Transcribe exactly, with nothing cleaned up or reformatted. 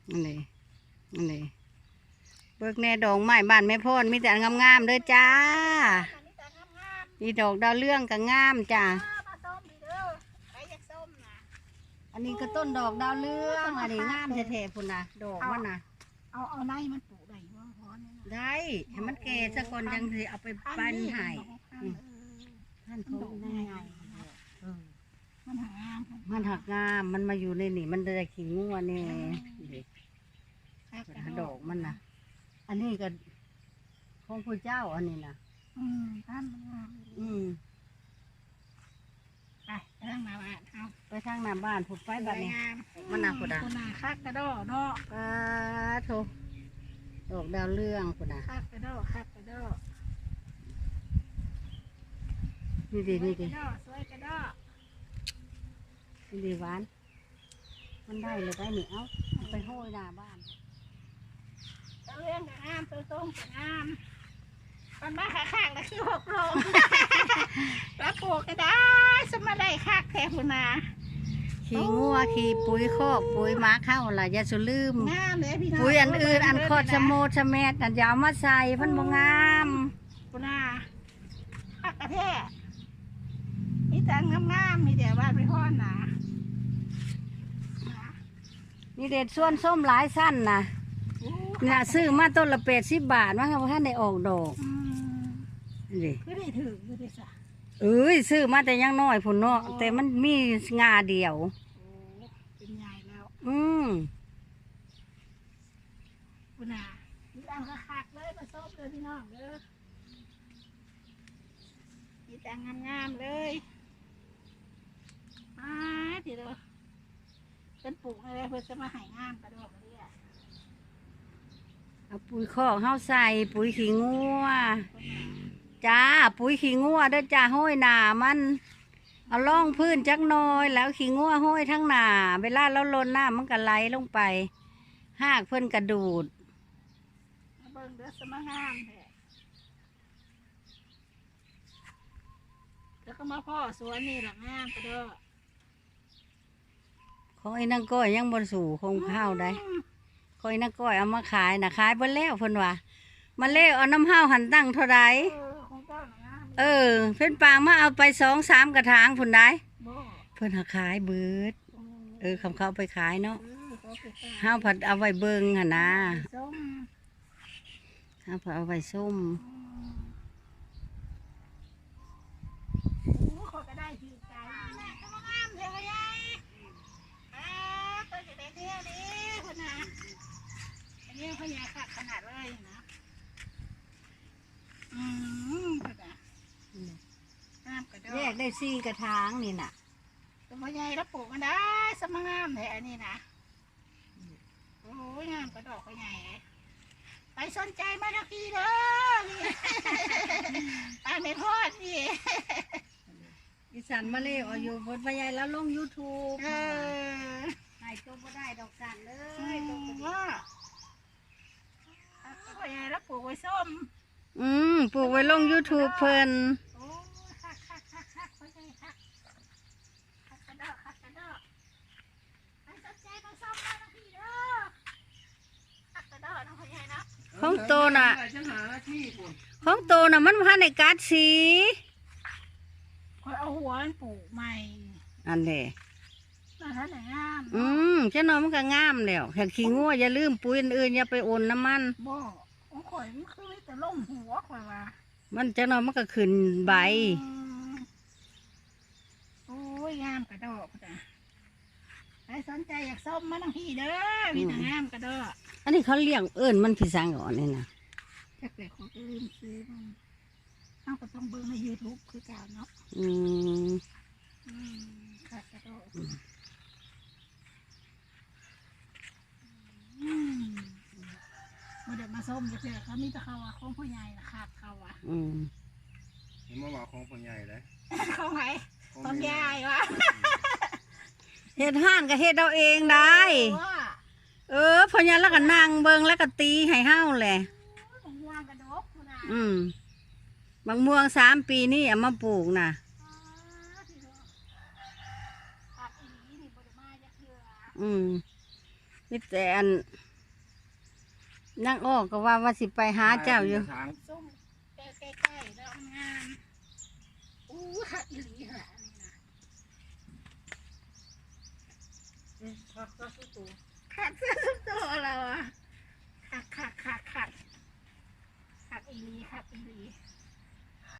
อันนี้อันนี้เบิกแน่ดอกไม้บ้านแม่พ่นมีแต่งามๆเด้อจ้ามีดอกดาวเรื่องก็งามจ้าอันนี้ก็ต้นดอกดาวเรื่องอันนี้งามแท้ๆพุ่นนะดอกมันนะเอาเอาในมันปลูกได้ว่าพอเนี่ยได้ให้มันแก่ซะก่อนยังสิเอาไปปั้นให้ท่านเขาง่ายมันหางามมันหักงามมันมาอยู่ในนี่มันได้ขี้งัวนี่ดอกมันนะอันนี้ก็ของพระเจ้าอันนี้นะอืมท่านมันงามอืมไปไปทางหน้าบ้านเอาไปทางหน้าบ้านผุดไฟแบบนี้มันหนาผุดอ่ะคุณนาคักกระโดดเนาะปาโถดอกดาวเรื่องผุดอ่ะคักกระโดดคักกระโดดนี่ดีนี่ดีสวยกระโดดนี่ดีหวานมันได้เลยได้หนิเอ้าไปห้อยหน้าบ้านเรื่องกับงามตัวต้มกับงามมันมาข้างๆแล้วคือหกลงแล้วปลูกก็ได้สมาได้คักแทนคุณนาขี้งัวขี้ปุ๋ยคอกปุ๋ยม้าเข้าล่ะอย่าสุลืมงามเลยพี่น้องปุ๋ยอันอื่นอันคอดชะโมชะเม็ดอันยาวมาใส่พันบ่งามคุณนาคักกระแทกมีแต่งามๆมีแต่บ้านไปห้อนนะนี่เด็ดส่วนส้มหลายสั้นนะเนี่ยซื้อมาต้นละเป็ดสิบบาทว่าเขาท่านได้ออกดอกนี่ก็ได้ถือก็ได้สักเอ้ยซื้อมาแต่ยังน้อยผุนเนาะแต่มันมีงาเดียวเป็นใหญ่แล้วอืมคุณอามีแต่งกระคักเลยผสมเลยพี่น้องเด้อมีแต่งงามๆเลยอ่าทีเดียวเป็นปลูกอะไรเพื่อจะมาหายงามกระโดดเลยอ่ะเอาปุ๋ยคอกเข้าใส่ปุ๋ยขี้งัวจ้าปุ๋ยขี้งัวเด้อจ้าห้อยหนามันเอาล่องพื้นจักหน่อยแล้วขี้งัวห้อยทั้งหนาเวลาเราลนหน้ามันก็ไหลลงไปหากเพิ่นกระดูดเบิ่งเด้อสมางามแท้แล้วก็มาพ่อสวนนี่หลังงามกระโดดของไอ้นางก้อยยังบนสู่คงข้าวได้ของไอ้นางก้อยเอามาขายนะขายเพิ่นแล้วเพิ่นว่ามาเล่เอาน้ำห้าวหันตั้งเท่าไรเออเพิ่นปางมาเอาไปสองสามกระถางพุ่นได้เพิ่นหาขายเบิดเออคำเขาไปขายเนาะห้าวผัดเอาไว้เบิ่งหั่นนะห้าวผัดเอาไว้ส้มพญาขาดขนาดเลยนะอืมน้ำกระโดดแยกได้สี่กระถางนี่น่ะตัวพญาแล้วปลูกกันได้สมงามเลยอันนี้นะโอ้ยงามกระดอกพญาไปสนใจมาทักทีเด้อไปไม่พอดนี่อีสานมาเล่เอาอยู่บนพญาแล้วลงยูทูบเออหายตัวบ่ได้ดอกสั่นเลยว่าพญาแล้วปลูกไว้ส้มอืมปลูกไว้ลงยูทูบเพิ่นโอ้คักคักคักคักพญาคักคักกระดอกคักกระดอกไปสนใจมาส้มมาทักทีเด้อคักกระดอกน้องพญาเนาะของโตน่ะของโตน่ะมันพันในกัดสีคอยเอาหัวมันปลูกใหม่อันเด้น่าทันไหนงามอืมเจ้าน้อยมันก็งามแล้วแค่ขี้งัวอย่าลืมปุ๋ยอื่นอย่าไปโอนน้ำมันบ่ของข่อยมันคือแต่ล่มหัวข่อยว่ามันเจ้าน้อยมันก็ขึ้นใบโอ้ยงามกระดอกจ้ะใครสนใจอยากส้มมาทั้งที่เด้อมีแต่งามกระดอกอันนี้เขาเลี้ยงเอิญมันพิสังก่อนนี่นะจากแต่ของลืมซื้อมันเอาก็ต้องเบิ่งในยูทูบคือเก่าเนาะอืมอืมค่ะกระโดดอืมมาเด็กมาส้มเฉยๆเขามีแต่เขาว่าของพ่อใหญ่นะขาดเขาอ่ะอืมเห็นมาว่าของพ่อใหญ่เลยเขาไงพ่อใหญ่วะเฮ็ดห้านก็เฮ็ดเอาเองได้เออพอยันแล้วก็นั่งเบิ่งแล้วก็ตีให้เฮาแหละอืมบางม่วงสามปีนี่เอามาปลูกน่ะอืมมีแต่อันนั่งอ้อก็ว่าว่าสิไปหาเจ้าอยู่ทางส้มใกล้ๆแล้วงามอู้หักอีหลีหละนี่นะขัดเสื้อสุดตัวเราอะขัดขัดขัดขัดขัดอีหลีขัดอีหลี